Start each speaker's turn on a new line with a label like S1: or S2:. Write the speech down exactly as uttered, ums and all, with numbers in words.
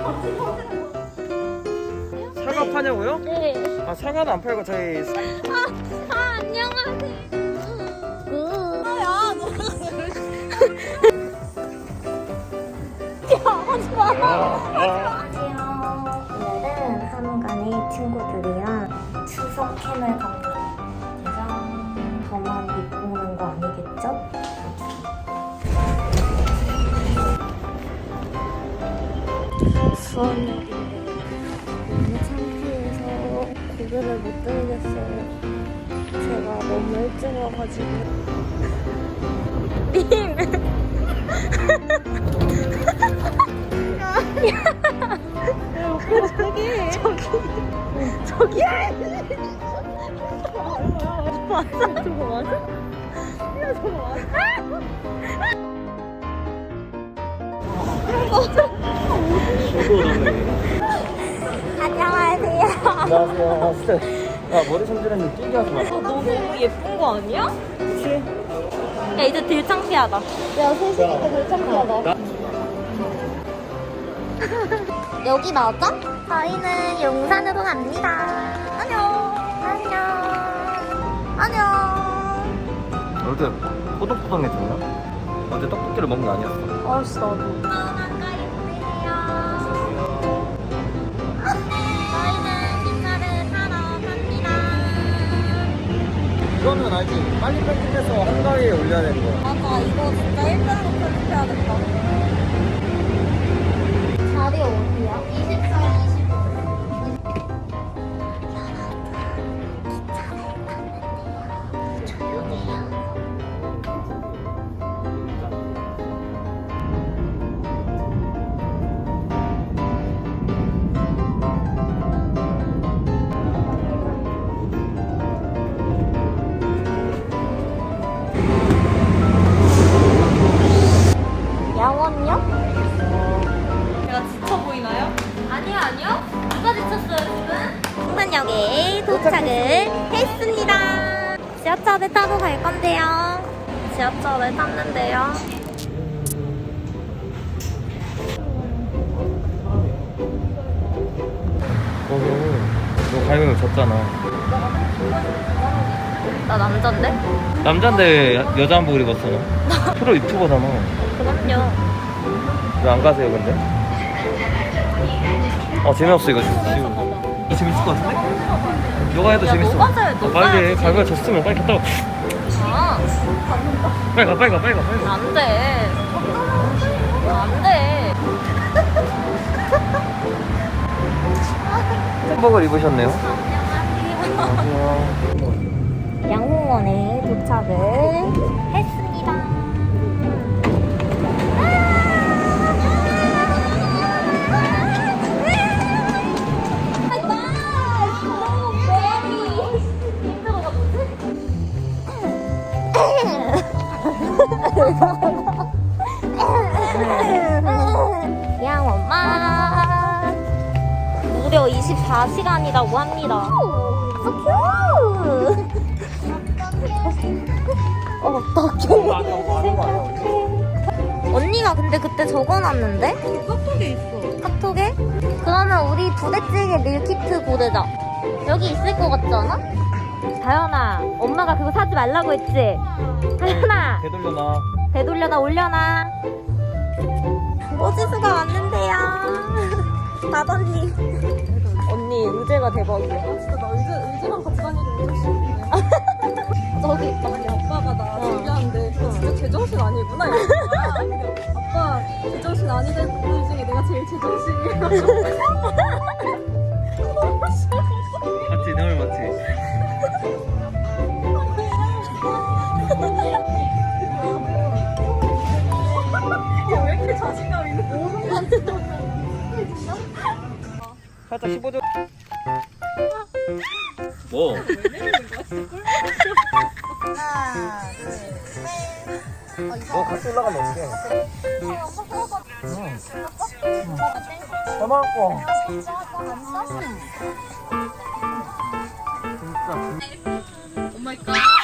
S1: 사과 파냐고요?
S2: 네.
S1: 아 사과는 안 팔고 저희
S2: 아, 아 안녕하세요. 아야 너. 야 하지 마.
S3: 안녕하세요. 오늘은 한우간의 친구들이랑 추석 캠을 갑니다. 대장 저만 믿고 오는 거 아니겠죠? 수원역인데 너무 창피해서 고개를 못 들겠어요. 제가 너무 일찍 와가지고. 님! 저기 저기 저기 맞아? 저거 맞아? 야 저거 맞아? 안녕하세요.
S1: 안녕하세요. 진짜 야 머리 손질했는데 찌개 하지 마.
S2: 너 너무 예쁜 거 아니야?
S1: 그치?
S2: 야 이제 들 창피하다. 야 솔직히 들 창피하다. 여기 맞아? 저희는 용산으로 갑니다. 안녕. 안녕. 안녕.
S1: 어제 포동포동해졌나? 어제 떡볶이를 먹는 거 아니었어?
S2: 알았어 나도. 가까이 오세요. 저희는 기차를 타러 갑니다.
S1: 이거는 알지? 빨리 편집해서 한가위에 올려야 되는 거야.
S2: 맞아 이거 진짜 일 등으로 편집해야겠다. 자리 어디야? 이십사, 이십오. 양원역? 제가 지쳐 보이나요? 아니요 아니요 누가 지쳤어요 지금? 용산역에 도착을 했습니다. 지하철을 타고 갈 건데요. 지하철을 탔는데요.
S1: 어, 너 가위바위보 졌잖아.
S2: 나 남잔데?
S1: 남잔데 여- 여자 한복을 입었어 너. 프로 유튜버잖아.
S2: 그럼요.
S1: 왜 안 가세요 근데? 어 재미없어 이거 지금. 이 재밌을 것 같은데? 너가 해도
S2: 야,
S1: 재밌어.
S2: 너가 져야 돼,
S1: 어,
S2: 너가
S1: 빨리 해.
S2: 해야지.
S1: 가위바위보 졌으면 빨리 갔다 와.
S2: 아,
S1: 빨리 가 빨리 가 빨리 가 빨리 가.
S2: 안 돼. 안 돼.
S1: 한복을 입으셨네요.
S2: 안녕하세요.
S1: 안녕하세요.
S2: 양홍원에 도착을 했습니다. 양엄마 무려 이십사 시간이라고 합니다. So cute. 어떡해. 언니가 근데 그때 적어놨는데? 카톡에 있어. 카톡에? 그러면 우리 부대찌개 밀키트 고르자. 여기 있을 것 같지 않아? 다현아, 엄마가 그거 사지 말라고 했지? 다현아,
S1: 되돌려놔.
S2: 되돌려놔 올려놔. 꼬지수가 왔는데요. 다던님. 언니 의제가 대박이야.
S4: 진짜 나 의제, 의제랑 같이 다니는 게 싫은데.
S2: 저기 있다.
S4: 아니 아빠가 나
S2: 어.
S4: 준비하는데 그거 진짜 제정신 아니구나 이러는 거야. 근데 아빠 제정신 아니던 분들 중에 내가 제일 제정신이야.
S1: 맞지? 내 말 맞지?
S4: 왜 이렇게 자신감 있는 거야?
S1: 살짝 십오 점. 뭐?
S2: 하나, 둘, 셋.
S1: 너 같이 올라가면 어떡해? 응. 잘 먹었고. 진짜.
S4: 오 마이 갓.